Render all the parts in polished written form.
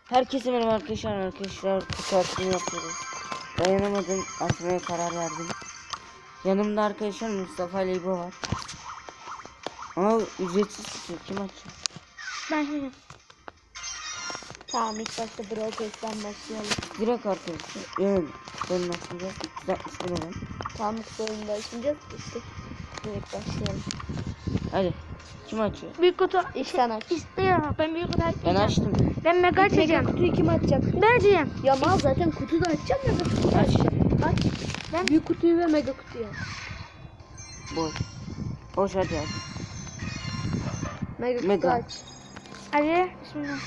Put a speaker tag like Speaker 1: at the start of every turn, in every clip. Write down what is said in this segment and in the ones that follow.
Speaker 1: Herkese merhaba arkadaşlar. Kutu açımı yapıyoruz. Dayanamadım, açmaya karar verdim. Yanımda arkadaşlar Mustafa ile İbo var. Ama ücretsiz tutuyor. Kim açıyor?
Speaker 2: Ben şimdi. Tamam, ilk başta Brawl Pass'ten başlayalım.
Speaker 1: Direkt arkadaşlar. Yani ben açmayacağız. 360 lira.
Speaker 2: Tamam, oyunda açmayacağız işte. Direkt başlayalım.
Speaker 1: Hadi. Kim açıyor?
Speaker 3: Büyük kutu
Speaker 2: İlk sen aç.
Speaker 3: istiyorum. Ben büyük kutu
Speaker 1: Ben
Speaker 3: açmayacağım.
Speaker 1: açtım.
Speaker 3: Ben mega
Speaker 2: Mega
Speaker 3: açacağım.
Speaker 2: kutuyu kim açacak?
Speaker 3: Ben açacağım.
Speaker 2: Ya mal zaten kutuda açacağım ya da kutuyu
Speaker 1: Aç.
Speaker 2: açacağım. Aç.
Speaker 3: Ben-
Speaker 2: Büyük kutuyu ve mega kutuyu aç.
Speaker 1: Boş. Boş hadi aç.
Speaker 2: Mega kutu
Speaker 1: Mega.
Speaker 2: aç.
Speaker 3: Hadi. Bismillah.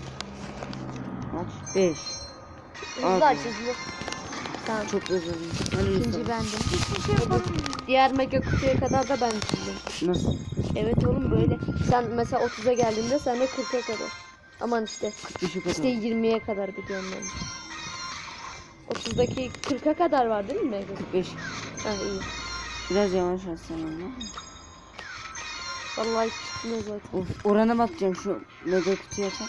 Speaker 1: Aç. 5.
Speaker 2: Hızlı
Speaker 1: Abi.
Speaker 2: aç hızlı. Tamam.
Speaker 1: Çok özür dilerim. Hadi
Speaker 2: İkinci
Speaker 1: Mustafa.
Speaker 2: bendim.
Speaker 3: Hiçbir şey yapamam.
Speaker 2: Diğer mega kutuya kadar da ben çizdim.
Speaker 1: Nasıl?
Speaker 2: Evet oğlum böyle. Sen mesela 30'a geldiğinde sen de 40'a kadar. Aman işte.
Speaker 1: 45'e kadar.
Speaker 2: İşte 20'ye kadar gidiyorum ben. 30'daki 40'a kadar var değil mi mega?
Speaker 1: 45.
Speaker 2: Ha iyi.
Speaker 1: Biraz yavaş açsam ama.
Speaker 2: Vallahi hiç çıkmıyor zaten.
Speaker 1: Of, orana bakacağım şu mega kutuyu açar.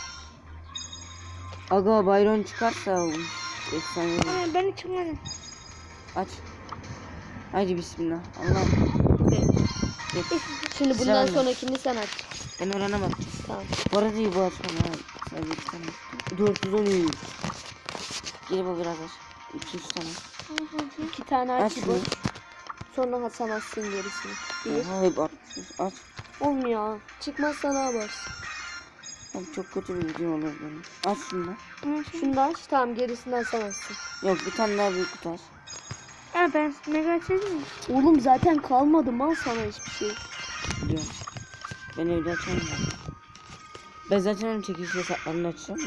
Speaker 1: Aga Byron çıkarsa efsane olur.
Speaker 3: Ama ben hiç çıkmadım.
Speaker 1: Aç. Haydi bismillah. Allah'ım. Geç.
Speaker 2: Şimdi bundan
Speaker 1: Sen-
Speaker 2: sonrakini sen aç.
Speaker 1: Ben orana bakacağım.
Speaker 2: Tamam.
Speaker 1: Bu arada iyi bu açmam ha. Sadece bir tane. 413. Gel bu biraz aç. 200 tane.
Speaker 2: 2 tane aç
Speaker 1: Aç
Speaker 2: bu.
Speaker 1: mı?
Speaker 2: Sonra hasamazsın gerisini. Bir.
Speaker 1: Oha hep atmışız. Aç.
Speaker 2: Olmuyor. Çıkmazsa ne yaparsın?
Speaker 1: Abi çok kötü bir video olur benim. Aç şunu da.
Speaker 2: Şunu da aç. Tamam, gerisinden hasamazsın.
Speaker 1: Yok bir tane daha büyük kutu aç.
Speaker 3: Ha, ben mega açacağım.
Speaker 2: Oğlum zaten kalmadı mal sana hiçbir şey.
Speaker 1: Biliyorum. Ben evde açamam. Ben zaten onun çekiliş hesaplarını açacağım ya.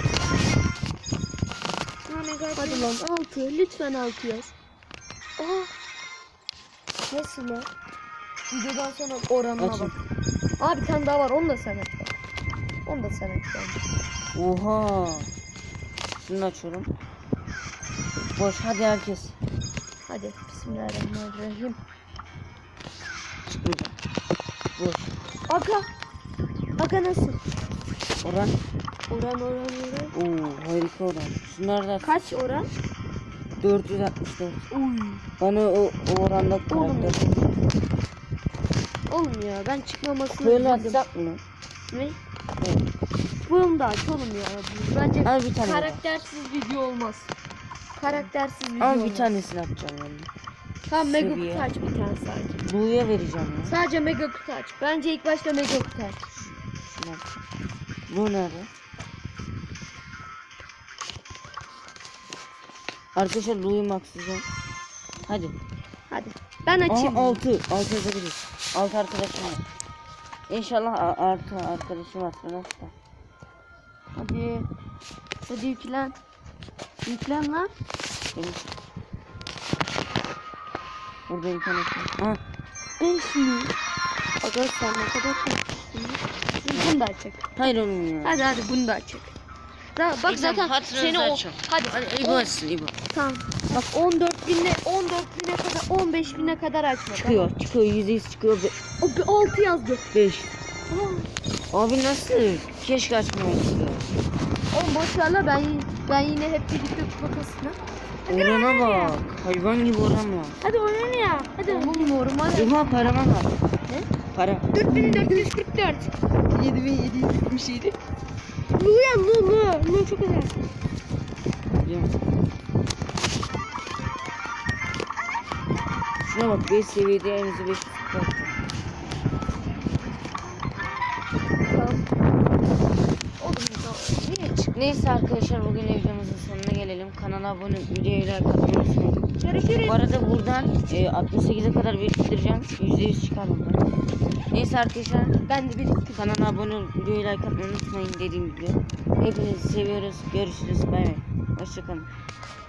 Speaker 3: Ha, mega
Speaker 2: Hadi
Speaker 3: açacağım.
Speaker 2: lan 6. Lütfen 6 yaz. Aa. Nasıl lan? Videodan sonra oranına
Speaker 1: Açın.
Speaker 2: bak. Aa, bir tane daha var. Onu da sen aç bak. Onu da sen aç bence.
Speaker 1: Oha. Şunu açıyorum. Boş hadi herkes.
Speaker 2: Hadi bismillahirrahmanirrahim.
Speaker 1: Çıkmayacak. Boş.
Speaker 2: Aga. Aga nasıl?
Speaker 1: Oran.
Speaker 2: Oran.
Speaker 1: Oo harika oran. Şunlar da
Speaker 2: Kaç oran?
Speaker 1: 464.
Speaker 2: Uy.
Speaker 1: Bana o oranda
Speaker 2: Oğlum ya.
Speaker 1: karakter.
Speaker 2: Oğlum ya, ben çıkmamasını
Speaker 1: Böyle
Speaker 2: üzüldüm.
Speaker 1: atsak mı?
Speaker 2: Ne?
Speaker 1: Evet.
Speaker 2: Bunu da aç oğlum ya. Bence
Speaker 1: Al bir tane.
Speaker 2: karaktersiz video olmaz. Karaktersiz video
Speaker 1: Al
Speaker 2: olmaz.
Speaker 1: bir tanesini atacağım yani.
Speaker 2: Tamam, mega
Speaker 1: Seviye.
Speaker 2: kutu aç bir tane sadece.
Speaker 1: Blue'ya vereceğim ya.
Speaker 2: Sadece mega kutu aç. Bence ilk başta mega kutu aç.
Speaker 1: Şunu atacağım. Bu nerede? Arkadaşlar Blue'yu maxlayacağım. Hadi.
Speaker 2: Hadi. Ben açayım.
Speaker 1: 6 yazabiliriz. 6 arkadaşım var. İnşallah artı arkadaşım var. Nasıl?
Speaker 2: Hadi. Hadi yüklen. Yüklen lan.
Speaker 1: Benim. Burada internet var. Ha,
Speaker 2: 5 mi? Aga sen ne kadar korkmuşsun. Bunu da açacak.
Speaker 1: hayır oğlum ya.
Speaker 2: Hadi bunu da açacak. Bak zaten seni o... Hadi.
Speaker 1: İbo açsın İbo.
Speaker 2: Tamam. Bak 14.000'e kadar 15.000'e kadar açma.
Speaker 1: Çıkıyor. %100 çıkıyor.
Speaker 2: Tamam. O 6 yazdı.
Speaker 1: 5.
Speaker 2: Aa,
Speaker 1: Abi nasıl? Keşke açmamıştı.
Speaker 2: oğlum boş ver la, ben yine hep birlikte kutukasına.
Speaker 1: Orana bak. Hayvan gibi oran var.
Speaker 3: Hadi oynayın ya. Hadi.
Speaker 2: Oğlum normal.
Speaker 1: Oha parama bak.
Speaker 2: Ne?
Speaker 1: Para.
Speaker 3: 4444.
Speaker 2: 7777.
Speaker 3: Lu ya Lu. Lu çok güzel.
Speaker 1: Biliyorum. Şuna bak 5 seviyede en azı 5 çıkarttı.
Speaker 2: Tamam. Oğlum niye çık?
Speaker 1: Neyse arkadaşlar bugün videomuzun sonuna gelelim. Kanala abone olup videoyu like atmayı unutmayın.
Speaker 3: Görüşürüz.
Speaker 1: Bu arada buradan 68'e kadar biriktireceğim. %100 çıkar bunlar. Neyse arkadaşlar
Speaker 2: Ben de birlikte.
Speaker 1: kanala abone olup videoyu like atmayı unutmayın dediğim gibi. Hepinizi seviyoruz. Görüşürüz. Bay bay. Hoşçakalın.